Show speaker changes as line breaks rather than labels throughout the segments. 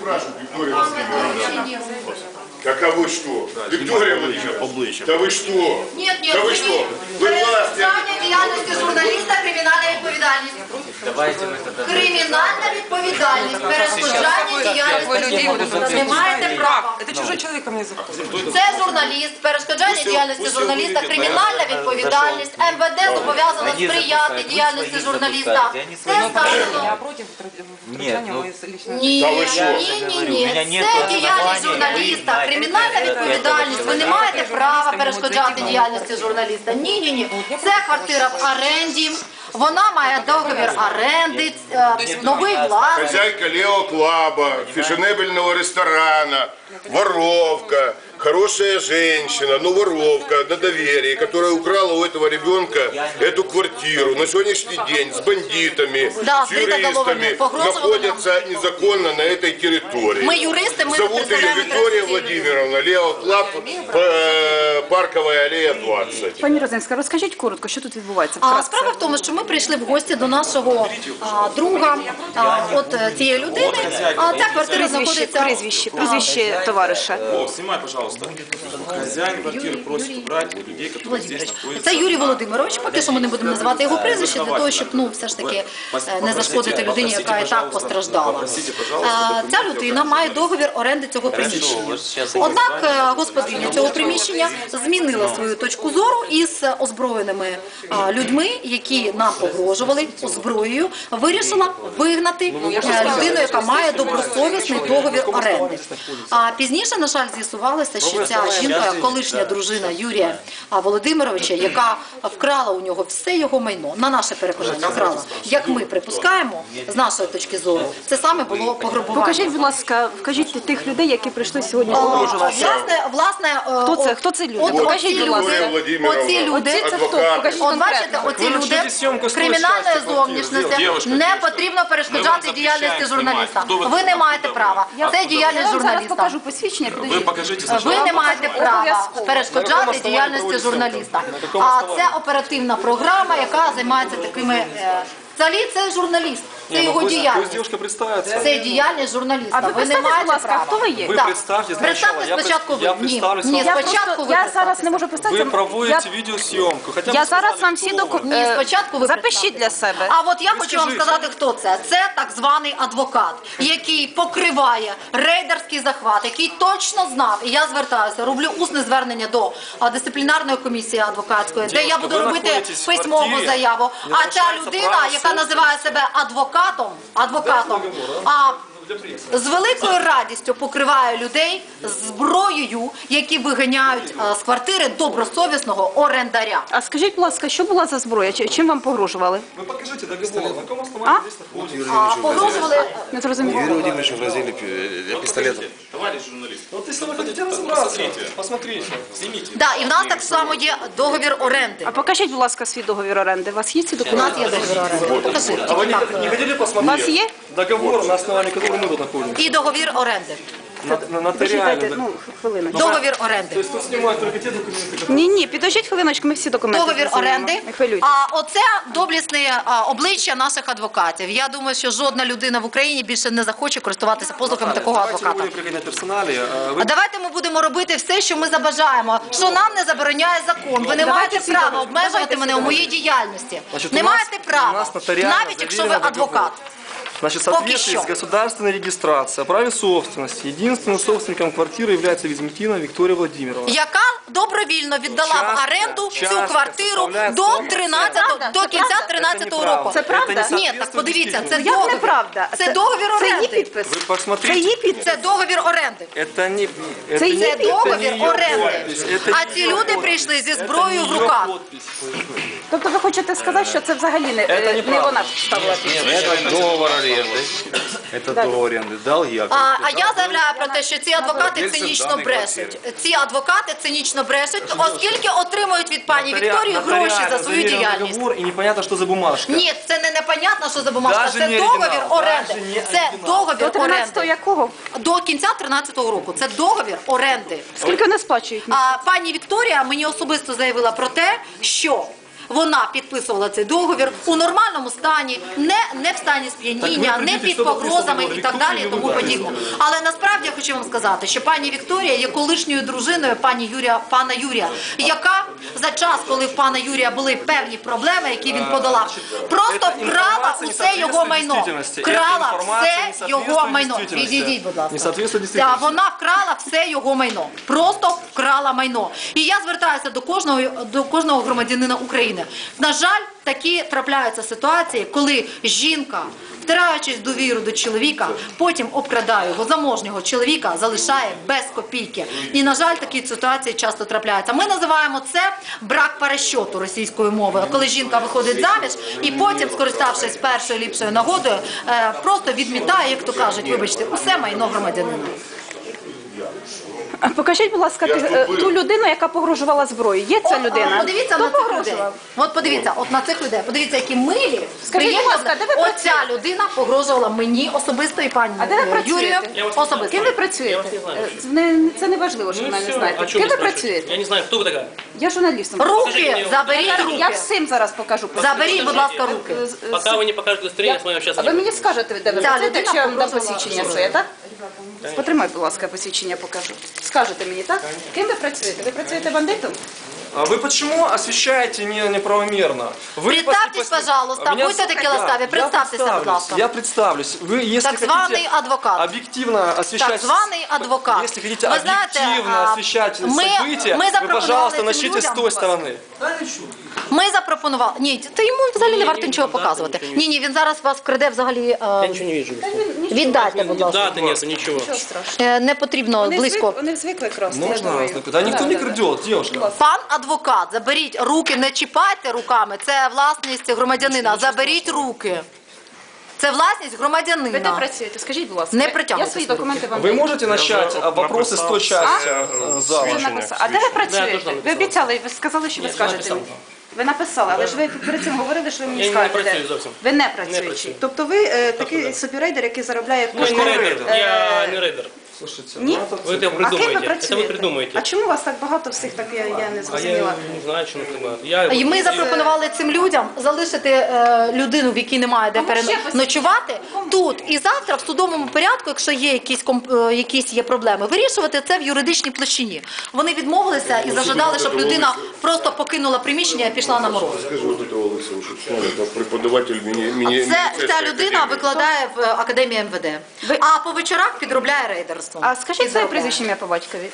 спрашивают, Виктория Владимировна. Так а вы что? Виктория Владимировна, да вы что?
Нет,
Да вы что? Вы власть.
Перешкоджання діяльності журналіста – кримінальна відповідальність. Кримінальна відповідальність, перешкоджання діяльності журналіста. Не маєте права.
Это чужой человек ко мне заходит.
Це журналіст, перешкоджання діяльності журналіста, кримінальна відповідальність. МВД зобов'язано сприяти діяльності журналіста. Це сказано.
Я против втручания в мои личные...
Ні,
Та ви що?
ні. Це діяльність журналіста, кримінальна відповідальність. Ви не маєте права перешкоджати діяльності журналіста. Ні. Це квартира в оренді. Вона має договір оренди, новий власник.
Хозяйка Лео Клаба, фешенебельного ресторана, воровка, хорошая женщина, но воровка на доверии, которая украла у этого ребенка эту квартиру. На сегодняшний день с бандитами,
Да,
с юристами находятся незаконно на этой территории.
Мы юристы, мы
Зовут ее
представляем
Виктория
это
Владимировна, Лео Клаб, Парковая аллея 20.
Пані Розинська, розкажіть коротко, що тут відбувається?
Справа в тому, що ми прийшли в гості до нашого друга, от цієї людини. Ця квартира знаходиться...
Прізвище товариша.
Снимай, пожалуйста. Хозяин квартиры просит убрать людей, которые здесь находятся.
Це Юрій Володимирович, поки що ми не будемо називати його прізвище, для того, щоб все ж таки не зашкодити людині, яка і так постраждала. Ця людина має договір оренди цього приміщення. Однак господиня цього приміщення змінила свою точку зору і з озброєними людьми, які нам погрожували зброєю, вирішила вигнати людину, яка має добросовісний договір оренди. А пізніше, на жаль, з'ясувалося, що ця жінка, колишня дружина Юрія Володимировича, яка вкрала у нього все його майно, на наше переконання вкрала, як ми припускаємо, з нашої точки зору, це саме було пограбування.
Покажіть, будь ласка, вкажіть тих людей, які прийшли сьогодні погрожувати.
Власне,
Хто це люди? Покажіть, будь ласка.
Оці люди,
Це хто? Покажіть
от бачите, оці люди кримінальної зовнішності, не потрібно перешкоджати діяльності журналіста. Ви не маєте права. Це діяльність
Я зараз
журналіста.
покажу посвідчення.
Вы покажите
Ви
сначала.
не маєте права перешкоджати діяльності журналіста. А це оперативна програма, яка займається такими... Взагалі це журналіст, це його діяльність.
Девушка представится.
Це діяльність журналіста. Ви не маєте
будь ласка,
права.
хто ви є?
Ви
Так.
представтесь
Представте
спочатку.
спочатку ви.
Я
Ні,
представлюсь
ні,
вам.
спочатку ви
Я зараз не можу
Ви
представити.
проводите відеосйомку. Хоча б
Я
сказали,
зараз вам всі
хто ви.
документи.
Спочатку ви
Запишіть для себе.
А от я хочу вам
скажіть.
сказати, хто це. Це так званий адвокат, який покриває рейдерський захват, який точно знав, і я звертаюся, роблю усне звернення до дисциплінарної комісії адвокатської, де я буду
ви
робити
знаходитесь в
письмову
квартирі,
заяву.
де
А ця
залишається
людина,
право
яка називає себе адвокатом, з великою радістю покриває людей зброєю, які виганяють з квартири добросовісного орендаря.
А скажіть, будь ласка, що була за зброя? Чим вам погрожували?
Ви покажите договор. На якому основанні здесь знаходитесь?
Погрожували...
Не зрозуміло.
Юрию Владимировичу грозили пистолетом.
Товарищ журналист,
Вот если вы хотите разобраться, посмотрите.
снимите.
Да, і в нас так само є договір оренди.
А покажіть, будь ласка, свій договір оренди. У вас є ці
У нас
документи?
є договір оренди. Покажи.
А вы не хотели
У
посмотреть?
вас є?
Договор, на основании которого мы тут находимся.
І договір оренди.
Почекайте,
Нотариально.
хвилиночку.
Договір
То
оренди.
есть тут снимают только те документы, которые...
Ні, підождіть хвилиночку, ми всі документи
Договір
зрозуміємо.
оренди.
Не хвилюйтесь.
А оце доблісне обличчя наших адвокатів. Я думаю, що жодна людина в Україні більше не захоче користуватися послугами такого
Давайте не
адвоката.
будем приходить на персонале.
А давайте ми будемо робити все, що ми забажаємо, що нам не забороняє закон. Ви не маєте права обмежувати мене у моїй діяльності.
Значить,
Не
у нас-
маєте
у
права,
нас нотаріально
навіть якщо ви
завірено
адвокат.
Значит, в
Поки
соответствии
що.
с государственной регистрацией о праве собственности, единственным собственником квартиры является Визметина Виктория Владимировна.
Яка добровільно віддала в оренду цю квартиру до кінця 13-го року.
Це правда?
Ні, так подивіться, це
Як
договір.
неправда?
Це договір
Це її
оренди.
підпис.
Вы
Це
посмотрите.
її підпис.
Це договір оренди.
Это не, это
Це
не,
її
Це договір
это не её
оренди.
подпись, это
А
не
ці
её
люди
подпись.
прийшли зі
Это
зброєю
не
в
её
руках.
подпись.
Тобто ви хочете сказати, що це взагалі не вона ставила підпис?
Это договор аренды. Это договор аренды. Дал я.
А я заявляю про те, що ці адвокати цинічно брешуть. Ці адвокати цинічно брешуть, оскільки отримують від пані Вікторії гроші за свою
Нотариально
діяльність.
договор, и непонятно, что за бумажка.
Ні, це не непонятно, що за бумажка.
Даже
Це
не
договір
оригінал,
оренди.
даже не
Це
оригінал.
договір
До 13-го
оренди.
якого?
До кінця 13-го року. Це договір оренди.
Скільки вони сплачують?
А пані Вікторія мені особисто заявила про те, що вона підписувала цей договір у нормальному стані, не в стані сп'яніння, не під погрозами і так далі, і тому подібне. Але насправді я хочу вам сказати, що пані Вікторія є колишньою дружиною пана Юрія, яка за час, коли в пана Юрія були певні проблеми, які він подолав, просто вкрала усе його майно. Вкрала все його майно. Відійдіть, будь ласка. Вона вкрала все його майно. Просто вкрала майно. І я звертаюся до кожного громадянина України. На жаль, такі трапляються ситуації, коли жінка, втираючись в довіру до чоловіка, потім обкрадає його, заможнього чоловіка, залишає без копійки. І, на жаль, такі ситуації часто трапляються. Ми називаємо це брак перещоту російською мовою, коли жінка виходить заміж і потім, скориставшись першою ліпшою нагодою, просто відмітає, як то кажуть, вибачте, усе майно громадянина.
Покажіть, будь ласка, ту людину, яка погрожувала зброєю. Є ця людина?
Подивіться на цих людей. От подивіться, от на цих людей. Подивіться, які милі.
Скажіть, будь ласка, де ви
Оця людина погрожувала мені особисто і пані
А де ви
Юрію
працюєте?
особисто.
Ким ви працюєте? Це не важливо, що ви мене не знаєте. Ким ви працюєте?
Я не знаю, кто вы такая.
Я журналістом.
Руки, заберіть
Я
руки.
всім зараз покажу.
Заберіть, будь ласка, руки.
Пока вы не покажете удостоверение, я с вами общаться
А
не
ви
буду.
мені скажете, де ви
Ця
працюєте,
людина
якщо я вам дам
погрожувала
посвідчення
зброєю.
своє, так? Потримай, будь ласка, посвідчення покажу. Скажете мені, так? Ким ви працюєте? Ви працюєте бандитом?
А вы почему освещаете неправомерно? Вы
Представьтесь, пожалуйста,
Меня
будьте такі ласкаві, представтеся, будь ласка.
Я представлюсь. Вы, если
Так званий
хотите
адвокат.
объективно освещать...
Так званий адвокат.
Если хотите
Ви знаєте,
объективно освещать события,
ми
вы,
запропонували
пожалуйста,
цим
начните с
людям.
той стороны.
Ми запропонували. Ні, то йому взагалі не варто нічого показувати. Ні, він зараз вас вкраде взагалі.
Я ничего не вижу.
Віддайте, будь ласка.
Даты нет, ничего.
Не потрібно близько.
Вони звикли красти, я
Можно?
думаю.
Да никто не крадет, девушка.
Пан адвокат, заберіть руки, не чіпайте руками. Це власність громадянина. Заберіть руки. Це власність
Ви де
громадянина.
працюєте? Скажіть, будь ласка.
Не
Я
притягуйте
свої
свої
документи вам
Вы
даю.
можете начать вопросы с той части зала?
Ви написали. А де ви працюєте? Ви обіцяли, ви сказали, що ви скажете мені. Ви написали, але ж ви перед цим говорили, що ви мені
Я не
скажете.
працюю зовсім.
Ви не
Не
працюючий.
працюю.
Тобто ви такий собі рейдер, який заробляє
Ну, я не рейдер. Я не рейдер.
Слушайте,
Ні?
ну это...
Вы это
А ким ви
придумаете. Это
працюєте?
вы придумаете.
А чому у вас так багато всіх, так я не
А я
зрозуміла.
не знаю, что это.
І ми запропонували цим людям залишити людину, в якій немає де переночувати, тут. І завтра в судовому порядку, якщо є якісь є проблеми, вирішувати це в юридичній площині. Вони відмовилися і зажадали, щоб людина просто покинула приміщення і пішла на мороз.
Скажи вот этого лысого, что это преподаватель
Ця людина викладає в Академії МВД. А по вечорах підробляє рейдерством.
А скажіть своє прізвище ім'я по батькові.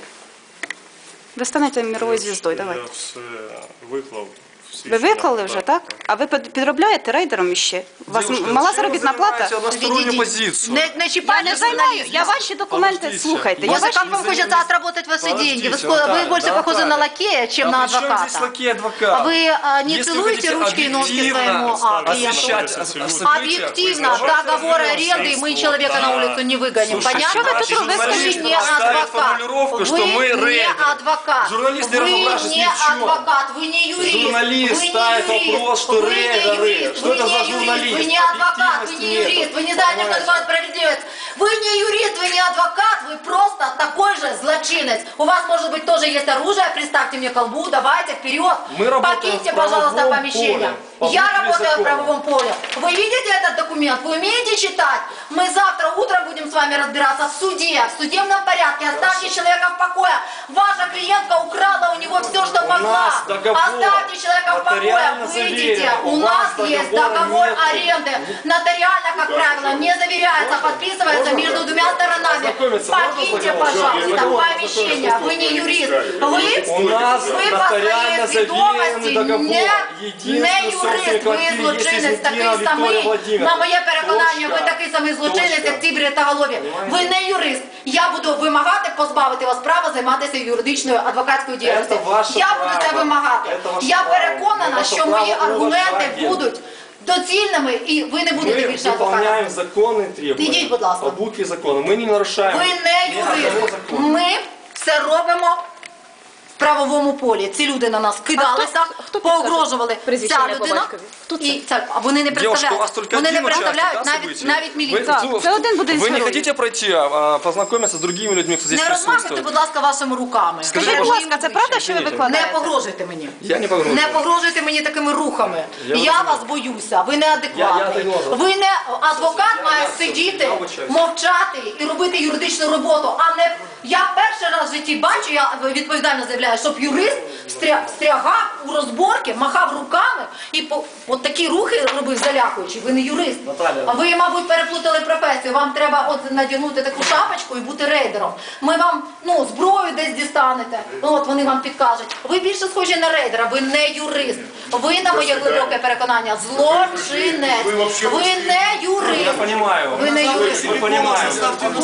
Ви станете міровою звіздою, давайте.
все виклав.
Ви виклали вже, так? А ви підробляєте рейдером іще? У вас
Девушка,
мала
зачем вы
заробітна плата?
занимаете одностороннюю позицию?
Не
Я
чіпайте
не займаю, я ваші документи,
Подождите.
слухайте. Я
Может,
ваші...
как вам хочется отработать ваши деньги? Вы,
Подождите,
вы больше
Наталья,
похожи на лакея, чем
А
на
при чем здесь
адвоката.
лакей и адвокат?
А вы не
Если
целуете
хотите
ручки и ножки
объективно
своему клиенту?
освещать события,
Объективно,
вы
договор
давайте
аренды, мы человека на улицу не выгоним.
Слушайте,
Понятно?
наши
Вы
журналисты
не
ставят
адвокат.
формулировку, что мы
Вы не
рейдеры.
адвокат.
Журналисты
Вы
равноправны
не
ни в чем.
адвокат, вы не юрист.
Журналист
Вы не
ставит
юрист.
вопрос, что
Вы не
рейдеры.
юрист.
Что
Вы
это
не
за
юрист.
журналист?
Вы не адвокат, вы не
Объективности
юрист.
нет.
Вы не знаете, что такое справедливость. Вы не юрист, вы не адвокат, вы просто такой же злочинец. У вас, может быть, тоже есть оружие, приставьте мне колбу, давайте вперед.
Мы работаем
Покиньте,
в
пожалуйста,
правовом
помещение.
поле,
Я
по букве
работаю в
закона.
правовом поле. Вы видите этот документ? Вы умеете читать? Мы завтра утром будем с вами разбираться в суде, в судебном порядке. Оставьте человека в покое. Ваша клиентка украла у него все, что могла.
нас договор
Оставьте человека в покое.
нотариально
Выйдите.
заверен.
У
У
нас
вас
есть
договора
договор
нету.
аренды. Нотариально, как правило, не заверяется, подписывается между двумя сторонами.
Ознакомиться можно с
Покиньте,
договором?
пожалуйста,
Договор
помещение. Вы не юрист. Вы
У нас
по своей
нотариально
свідомості
заверенный договор.
не
Единственный
юрист,
собственник
ви
квартиры
злочинець
есть
такий
Валентина
самий.
Виктория Владимировна.
На моє переконання, ви
Точка.
такий самий злочинець,
Точка.
як ці бритоголові. Ви не юрист. Я буду вимагати позбавити вас права займатися юридичною адвокатською діяльністю.
Це ваше
Я буду це
право.
вимагати.
Це ваше
Я
право.
переконана,
Ваше
що мої
право
аргументи
уважати.
будуть доцільними і ви не будете
Мы
більше
выполняем
адвокатом.
законы и требования.
Идите, будь ласка.
По букве закона. Мы не нарушаем
Ви не
ни одного
юрист.
закона.
Ми все робимо правовому полі. Ці люди на нас кидалися,
хто підкаже
погрожували.
прізвище
Ця
ім'я, по
людина,
батькові? Хто це?
і ця, а вони не
Девушка, у вас
представляють.
только
Вони не
один участник,
представляють
да,
навіть,
событий?
навіть міліцію.
Так, це один буде із
Вы не
героїв.
хотите пройти, познакомиться с другими людьми, кто здесь
Не розмахуйте,
присутствует?
будь ласка, вашими руками.
Скажіть,
Будь ласка, це правда, що ви
Не
викладаєте?
погрожуйте мені.
Я не погрожую.
Не погрожуйте мені такими рухами. Я
розумію.
вас боюся, ви неадекватний. Ви не адвокат має сидіти, мовчати і робити юридичну роботу, а не я перший раз в житті бачу, я відповідально заявляю, щоб юрист встрягав у розборки, махав руками і от такі рухи робив залякуючи. Ви не юрист. А ви, мабуть, переплутали професію. Вам треба от надягнути таку шапочку і бути рейдером. Ми вам зброю десь дістанете. От вони вам підкажуть. Ви більше схожі на рейдера, ви не юрист. Ви, на моє глибоке переконання, злочинець. Ви не юрист.
Я понимаю.
Ви не юрист.
Мы понимаем.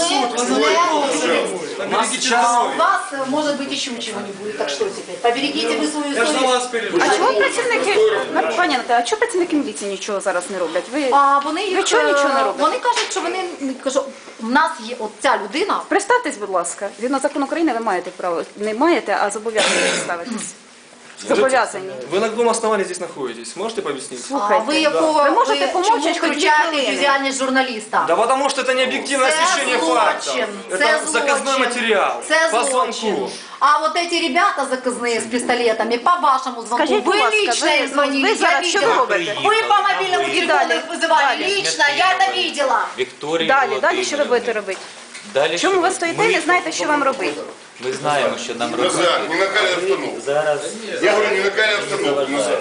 У вас, может быть, еще чего-нибудь. Так что теперь? Поберегите вы свою совесть.
А чому працівники, пані Наталя, а чому працівники міліції нічого зараз не роблять?
А вони їх,
Ви чого нічого не робите?
Вони кажуть, що вони, кажу, в нас є от ця людина.
Представтесь, будь ласка. Згідно закону України ви маєте право. Не маєте, а зобов'язані представитись. Зобов'язані.
Вы на каком основании здесь находитесь? Можете пояснить?
А
Слухайте,
ви якого
ви можете
чому
помовчати хоч 2
включаєте
хвилини?
діяльність журналіста?
Да потому что это не объективное
Це
освещение фактов.
злочин,
Это
це
заказной
злочин,
материал.
це
По
злочин.
звонку.
А вот эти ребята заказные с пистолетами, по вашему звонку,
Скажіть, будь
вы
ласка,
лично
ви
им звонили,
ви
я
зараз що ви
видела.
робите?
Вы по мобильному телефону
далі,
их вызывали
далі.
лично, я это видела.
Вікторії
Далі, що ви будете робити?
Далі
Чому
що
ви стоїте і не знаєте, що вам робити?
Ми знаємо, що нам робити.
Назад, не накаляй обстановку. Я говорю, не накаляй обстановку. Назад.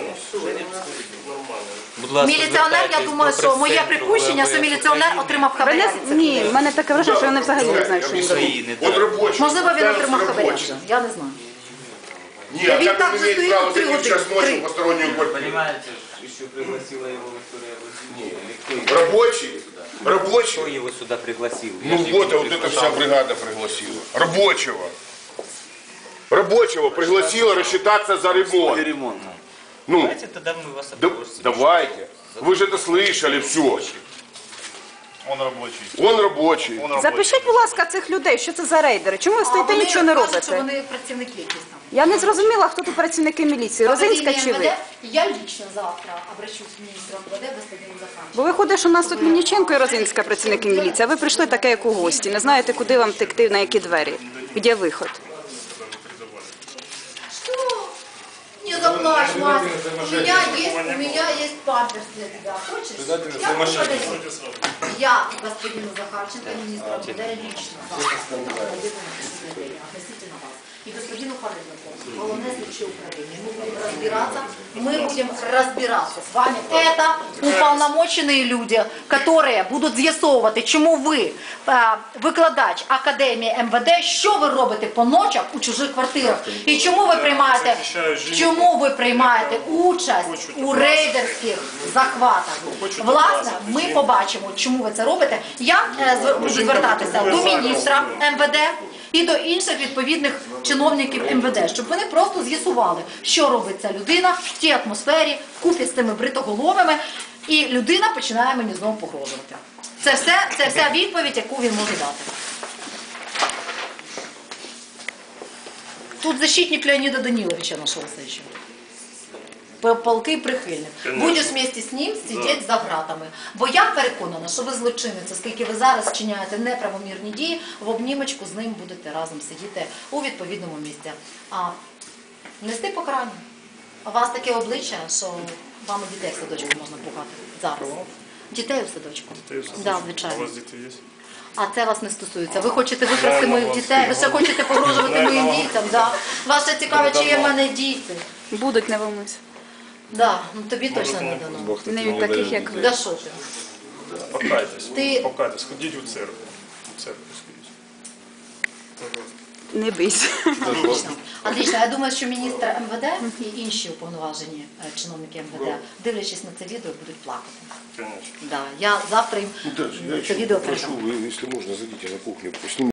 Будь ласка,
Міліціонер, я думаю, що моє припущення, що міліціонер отримав
Ви не...
хабаря.
Ні, в мене таке враження, що вони взагалі не знають, що їм робити.
Он рабочий.
Можливо, він
Кажется,
отримав хабаря.
рабочий.
Я не знаю.
Нет,
Він
как
так
он
же
имеет
стоит
право
3
зайти в час
години.
ночи
3.
в постороннюю квартиру?
Понимаете, еще пригласила его Виктория.
Рабочий? Рабочий?
Кто его сюда пригласил?
Ну вот, а вот эта вся бригада пригласила. Рабочего. Рабочего пригласила рассчитаться за ремонт. Ну,
Давайте тогда мы вас
да-
опросим.
давайте. Вы же это слышали, все.
Он рабочий.
Он рабочий.
Запишіть, будь ласка, цих людей, що це за рейдери. Чому ви стоїте і нічого не
кажуть, що
робите?
вони працівники якісь там.
Я не зрозуміла, хто тут працівники міліції, Розинська чи ви?
Я лично завтра обращусь к министру МВД господину Захарченко.
Бо виходить, що у нас тут Мельниченко і Розинська працівники міліції, а ви прийшли таке, як у гості. Не знаєте, куди вам текти, на які двері, де виход.
Что? Не заплачь, Мась. У меня есть памперс для тебя. Хочешь? Я подарю. Я господину Захарченко, министру МВД, лично завтра относительно вас. И господину Харитнику, головное следующее управление. Мы будем разбираться с вами. Это уполномоченные люди, которые будуть з'ясовувати, чому ви, викладач Академії МВД, що ви робите по ночах у чужих квартирах. І чому ви приймаєте участь у рейдерських захватах. Власне, ми побачимо, чому ви це робите. Я буду звертатися до міністра МВД і до інших відповідних чиновників МВД, щоб вони просто з'ясували, що робить ця людина в тій атмосфері, вкупі з тими бритоголовими, і людина починає мені знову погрожувати. Це вся відповідь, яку він може дати. Тут защитник Леонида Даниловича нашелся еще. Полки прихильник. Будеш вместе з ним сидіти за гратами. Бо я переконана, що ви злочинець, оскільки ви зараз вчиняєте неправомірні дії, в обнімочку з ним будете разом сидіти у відповідному місці. А нести покарання. У вас таке обличчя, що вам і дітей в садочку можна пугати зараз. Дітей у садочку? Так, звичайно.
У вас діти є?
А це вас не стосується. Ви хочете викрасти моїх дітей, ви ще хочете погрожувати моїм дітям. Да? Вас ще цікаво, чи є в мене діти.
Будуть, не волнуйся.
Да, ну тобі точно не дано.
Не від таких, як ви.
Да що ти?
Покайтесь.
Ти-
Покайтесь. Ходіть у церкву. У церкву сходіть.
Не бийся.
Отлично. Отлично. Я думаю, що міністр МВД і інші уповноважені чиновники МВД, дивлячись на це відео, будуть плакати.
Конечно.
Да. Я завтра їм
Даже, я
це
еще
відео
прошу,
передам.
вы, если можно, зайдите на кухню, снимите.